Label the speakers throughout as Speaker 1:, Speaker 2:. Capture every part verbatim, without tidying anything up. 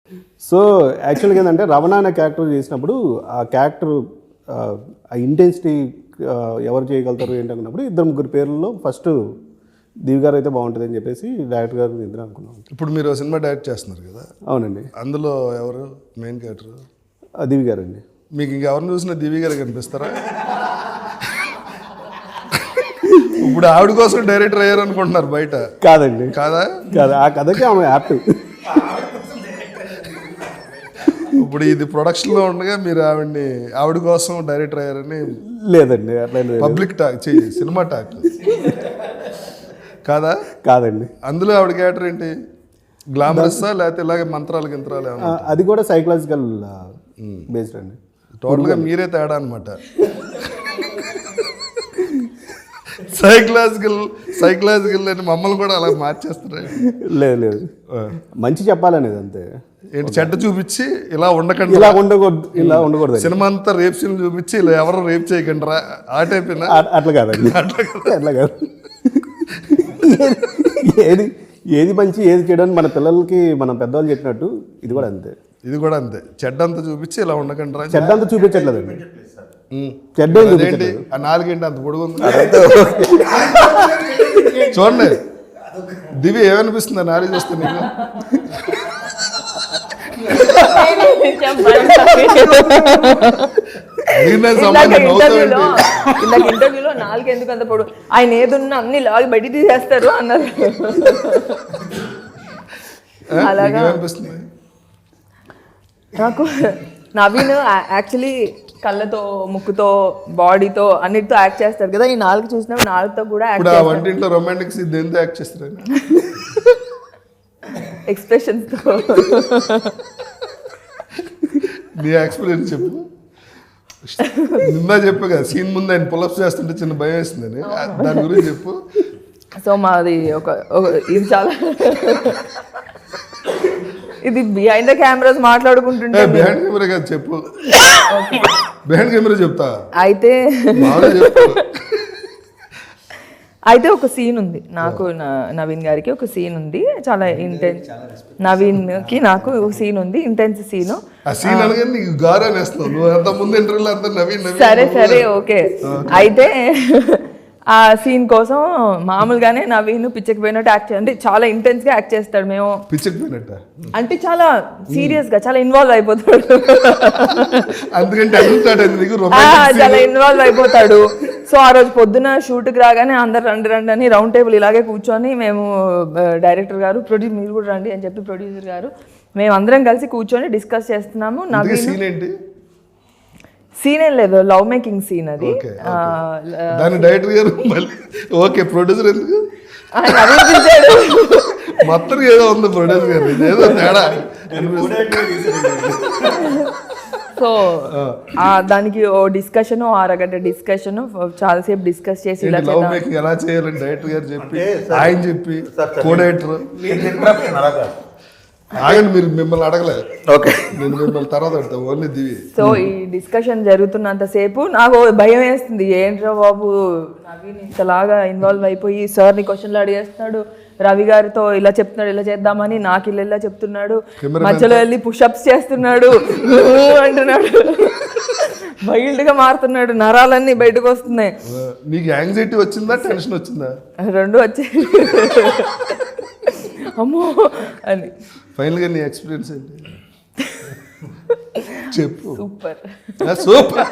Speaker 1: So యాక్చువల్గా ఏంటంటే రమణ అనే క్యారెక్టర్ చేసినప్పుడు ఆ క్యారెక్టర్ ఆ ఇంటెన్సిటీ ఎవరు చేయగలుగుతారు ఏంటనుకున్నప్పుడు ఇద్దరు ముగ్గురు పేర్లలో ఫస్ట్ దివి గారు అయితే బాగుంటుంది అని చెప్పేసి డైరెక్టర్ గారు ఇద్దరు అనుకున్నాం.
Speaker 2: ఇప్పుడు మీరు సినిమా డైరెక్ట్ చేస్తున్నారు కదా?
Speaker 1: అవునండి.
Speaker 2: అందులో ఎవరు మెయిన్ క్యారెక్టర్?
Speaker 1: దివి గారు అండి.
Speaker 2: మీకు ఇంకెవరిని చూసినా దివి గారు కనిపిస్తారా? ఇప్పుడు ఆవిడ కోసం డైరెక్టర్ అయ్యారు అనుకుంటున్నారు బయట.
Speaker 1: కాదండి.
Speaker 2: కాదా?
Speaker 1: కాదు, ఆ కథకి ఆమె యాప్ట్.
Speaker 2: ఇప్పుడు ఇది ప్రొడక్షన్లో ఉండగా మీరు ఆవిడ్ని ఆవిడ కోసం డైరెక్టర్ అయ్యారని
Speaker 1: లేదండి, అట్లా
Speaker 2: పబ్లిక్ టాక్ చెయ్యి, సినిమా టాక్ కాదా?
Speaker 1: కాదండి.
Speaker 2: అందులో ఆవిడ క్యారెక్టర్ ఏంటి? గ్లామరస్సా లేకపోతే ఇలాగే మంత్రాలు గింత్రాలు ఏమన్నా?
Speaker 1: అది కూడా సైకలాజికల్ బేస్డ్ అండి.
Speaker 2: టోటల్గా మీరే తేడా అనమాట. సైకలాజికల్ సైకలాజికల్ అని మమ్మల్ని కూడా అలా మార్చేస్తారు.
Speaker 1: లేదు లేదు, మంచి చెప్పాలనేది అంతే.
Speaker 2: ఏంటి చెడ్డ చూపించి ఇలా ఉండకండి,
Speaker 1: ఇలా ఉండకూడదు, ఇలా ఉండకూడదు.
Speaker 2: సినిమా అంతా రేప్ సీన్ చూపించి ఇలా ఎవరు రేప్ చేయకండి రా ఆ టైప్.
Speaker 1: అట్లా కాదండి, అట్లా కాదు. ఏది ఏది మంచి ఏది చేయడానికి మన పిల్లలకి మనం పెద్దవాళ్ళు చెప్పినట్టు ఇది కూడా అంతే.
Speaker 2: ఇది కూడా అంతే, చెడ్డ అంతా చూపించి ఇలా ఉండకండి రా.
Speaker 1: చెడ్డ అంతా చూపించట్లేదండి. చెడ్డ
Speaker 2: ఏంటి ఆ నాలుగేంటి అంత పొడుగుంది చూడండి. దివి ఏమనిపిస్తుంది ఆ నాలుగు చూస్తే నీకు?
Speaker 3: ఇంటర్వ్యూలో నాలుగు ఎందుకు అంత పొడు, ఆయన ఏదున్నా అన్ని లాగి బయట తీసేస్తారు అన్నారు. అలాగా నాకు నవీన్ యాక్చువల్లీ కళ్ళతో ముక్కుతో బాడీతో అన్నిటితో యాక్ట్ చేస్తారు కదా. ఈ నాలుగు చూసినప్పుడు నాలుగుతో కూడా
Speaker 2: వంటింట్లో రొమాంటిక్స్ దేంతో యాక్ట్ చేస్తారు?
Speaker 3: ఎక్స్ప్రెషన్స్ తో.
Speaker 2: నీ ఎక్స్పీరియన్స్ చెప్పు. నిన్న చెప్పు కదా సీన్ ముందు ఆయన పులప్స్ చేస్తుంటే చిన్న భయం వేస్తుందని, దాని గురించి చెప్పు.
Speaker 3: సో మాది ఒక ఇది చాలా ఇది బిహైండ్ ద కెమెరాస్ మాట్లాడుకుంటుంటే
Speaker 2: బిహైండ్ కెమెరా కాదు చెప్పు. బిహైండ్ కెమెరా చెప్తా
Speaker 3: అయితే. అయితే ఒక సీన్ ఉంది నాకు, నవీన్ గారికి ఒక సీన్ ఉంది, చాలా ఇంటెన్స్. నవీన్ కి నాకు సీన్ ఉంది, ఇంటెన్స్ సీన్. సరే సరే ఓకే. అయితే ఆ సీన్ కోసం మామూలుగానే నవీన్ పిచ్చకి పోయినట్టు యాక్ట్ అంటే చాలా ఇంటెన్స్ గా యాక్ట్ చేస్తాడు. మేము
Speaker 2: పిచ్చకి పోయినట్ట
Speaker 3: అంటే చాలా సీరియస్ గా చాలా ఇన్వాల్వ్ అయిపోతాడు. చాలా ఇన్వాల్వ్ అయిపోతాడు. సో ఆ రోజు పొద్దున షూట్కి రాగానే అందరు రండి రండి అని రౌండ్ టేబుల్ ఇలాగే కూర్చొని మేము డైరెక్టర్ గారు ప్రొడ్యూస్ మీరు కూడా రండి అని చెప్పి ప్రొడ్యూసర్ గారు మేము అందరం కలిసి కూర్చొని డిస్కస్ చేస్తున్నాము. నవీన్ సీన్ ఏం లేదు, లవ్ మేకింగ్ సీన్ అది.
Speaker 2: డైరెక్టర్ గారు ఓకే, ప్రొడ్యూసర్ ఎందుకు మొత్తం ఏదో ఉంది ప్రొడ్యూసర్ గారు ఏదో తేడా.
Speaker 3: సో దానికి ఓ డిస్కషన్, ఓ అరగంట డిస్కషన్, చాలాసేపు డిస్కస్ చేసి ఇలా
Speaker 2: లవ్ మేకింగ్ ఎలా చేయాలని డైరెక్టర్ గారు చెప్పి ఆయన చెప్పి కో డైరెక్టర్ ఆగండి, మీరు మిమ్మల్ని అడగలేదు. ఓకే, నేను మిమ్మల్ని తర్వాత అడుగుతా ఓన్లీ దివి.
Speaker 3: సో ఈ డిస్కషన్ జరుగుతున్నంతసేపు నాకు భయం వేస్తుంది, ఏంట్రా బాబు నవీన్ ఇంతలాగా ఇన్వాల్వ్ అయిపోయి సార్ని క్వశ్చన్లు అడిగేస్తున్నాడు, రవి గారితో ఇలా చెప్తున్నాడు ఇలా చేద్దామని, నాకు ఇలా ఇలా చెప్తున్నాడు, మధ్యలో వెళ్ళి పుషప్స్ చేస్తున్నాడు అంటున్నాడు, వైల్డ్ గా మారుతున్నాడు, నరాలన్నీ బయటకు వస్తున్నాయి.
Speaker 2: నీకు యాంగ్జైటీ వచ్చిందా టెన్షన్ వచ్చిందా?
Speaker 3: రెండు వచ్చాయి. అమ్మో అని.
Speaker 2: ఫైనల్ గా నీ ఎక్స్పీరియన్స్ ఏంటి చెప్పు.
Speaker 3: Super
Speaker 2: super.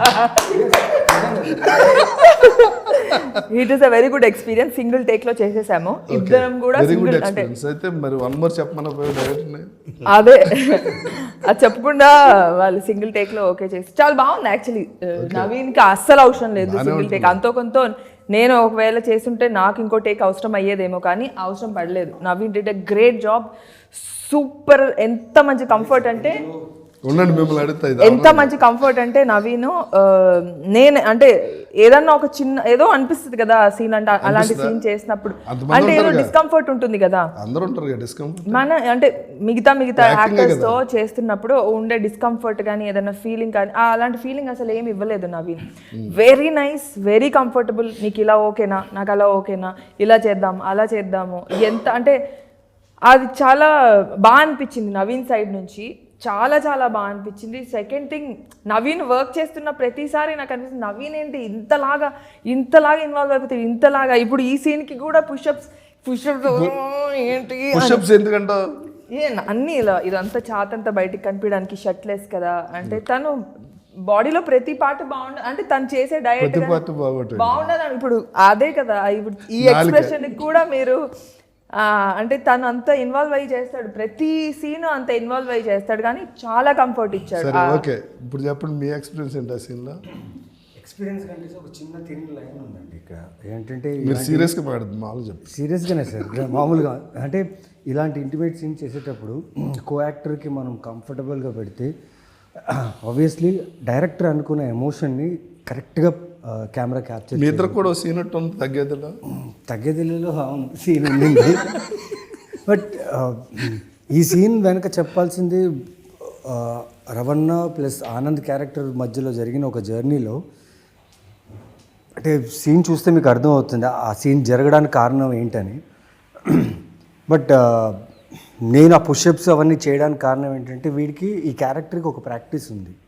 Speaker 3: It is a very good experience. Single take లో చేసేసాము ఇద్దరం కూడా.
Speaker 2: అయితే మరి వన్ మోర్ చెప్పమని డైరెక్టర్
Speaker 3: అదే అది చెప్పకుండా వాళ్ళు సింగిల్ టేక్ లో ఓకే చేసి చాలా బాగుంది. యాక్చువల్లీ నవీన్ కి అస్సలు అవసరం లేదు సింగిల్ టేక్. అంతో కొంత నేను ఒకవేళ చేస్తుంటే నాకు ఇంకో టేక్ అవసరం అయ్యేదేమో, కానీ అవసరం పడలేదు. Naveen did a great job, super. ఎంత మంచి కంఫర్ట్ అంటే ఎంత మంచి కంఫర్ట్ అంటే నవీన్ నేను అంటే ఏదన్నా ఒక చిన్న ఏదో అనిపిస్తుంది కదా సీన్ అంటే, అలాంటి సీన్ చేసినప్పుడు అంటే ఏదో డిస్కంఫర్ట్ ఉంటుంది కదా మన అంటే మిగతా మిగతా యాక్టర్స్ తో చేస్తున్నప్పుడు ఉండే డిస్కంఫర్ట్ కానీ ఏదైనా ఫీలింగ్ కానీ అలాంటి ఫీలింగ్ అసలు ఏమి ఇవ్వలేదు Naveen. Very nice, very comfortable. నీకు ఇలా ఓకేనా, నాకు అలా ఓకేనా, ఇలా చేద్దాం అలా చేద్దాము. ఎంత అంటే అది చాలా బాగా అనిపించింది నవీన్ సైడ్ నుంచి, చాలా చాలా బాగా అనిపించింది. సెకండ్ థింగ్, నవీన్ వర్క్ చేస్తున్న ప్రతిసారి నాకు అనిపిస్తుంది నవీన్ ఏంటి ఇంతలాగా ఇంతలాగా ఇన్వాల్వ్ అయిపోతుంది, ఇంతలాగా ఇప్పుడు ఈ సీన్కి కూడా పుషప్స్ పుషప్స్ ఏంటి
Speaker 2: పుషప్స్ ఎందుకంట
Speaker 3: ఏ అన్నీ ఇలా ఇదంతా చాతంతా బయటికి కనిపించడానికి షర్ట్లెస్ కదా, అంటే తను బాడీలో ప్రతి పార్ట్ బాగుండదు, అంటే తను చేసే డయట్ బాగుండదు ఇప్పుడు అదే కదా. ఇప్పుడు ఈ ఎక్స్ప్రెషన్ కూడా మీరు ఆ, అంటే తను అంత ఇన్వాల్వ్ అయ్యి చేస్తాడు, ప్రతి సీన్ అంత ఇన్వాల్వ్ అయ్యి చేస్తాడు, కానీ చాలా కంఫర్ట్ ఇచ్చాడు.
Speaker 2: సరే ఓకే, ఇప్పుడు చెప్పండి మీ ఎక్స్పీరియన్స్ ఏంటి ఆ సీన్లో?
Speaker 4: ఎక్స్పీరియన్స్ కంటే ఒక చిన్న తిన్ లైన్ ఉందండి ఇక్కడ. ఏంటంటే
Speaker 2: మీరు సీరియస్గా మాట్లాడుతుంది మామూలు చెప్పి
Speaker 4: సీరియస్గానే సార్, మామూలుగా అంటే ఇలాంటి ఇంటిమేట్ సీన్ చేసేటప్పుడు కో యాక్టర్కి మనం కంఫర్టబుల్గా పెడితే ఆబ్వియస్లీ డైరెక్టర్ అనుకున్న ఎమోషన్ని కరెక్ట్గా కెమెరా క్యాప్చర్.
Speaker 2: మీ ఇద్దరు కూడా సీన్ ఉంటుంది తగ్గేదిలో
Speaker 4: తగ్గేదిలో సీన్ ఉండింది. బట్ ఈ సీన్ వెనక చెప్పాల్సింది రవణ ప్లస్ ఆనంద్ క్యారెక్టర్ మధ్యలో జరిగిన ఒక జర్నీలో, అంటే సీన్ చూస్తే మీకు అర్థమవుతుంది ఆ సీన్ జరగడానికి కారణం ఏంటని. బట్ నేను ఆ పుషప్స్ అవన్నీ చేయడానికి కారణం ఏంటంటే వీడికి ఈ క్యారెక్టర్కి ఒక ప్రాక్టీస్ ఉంది.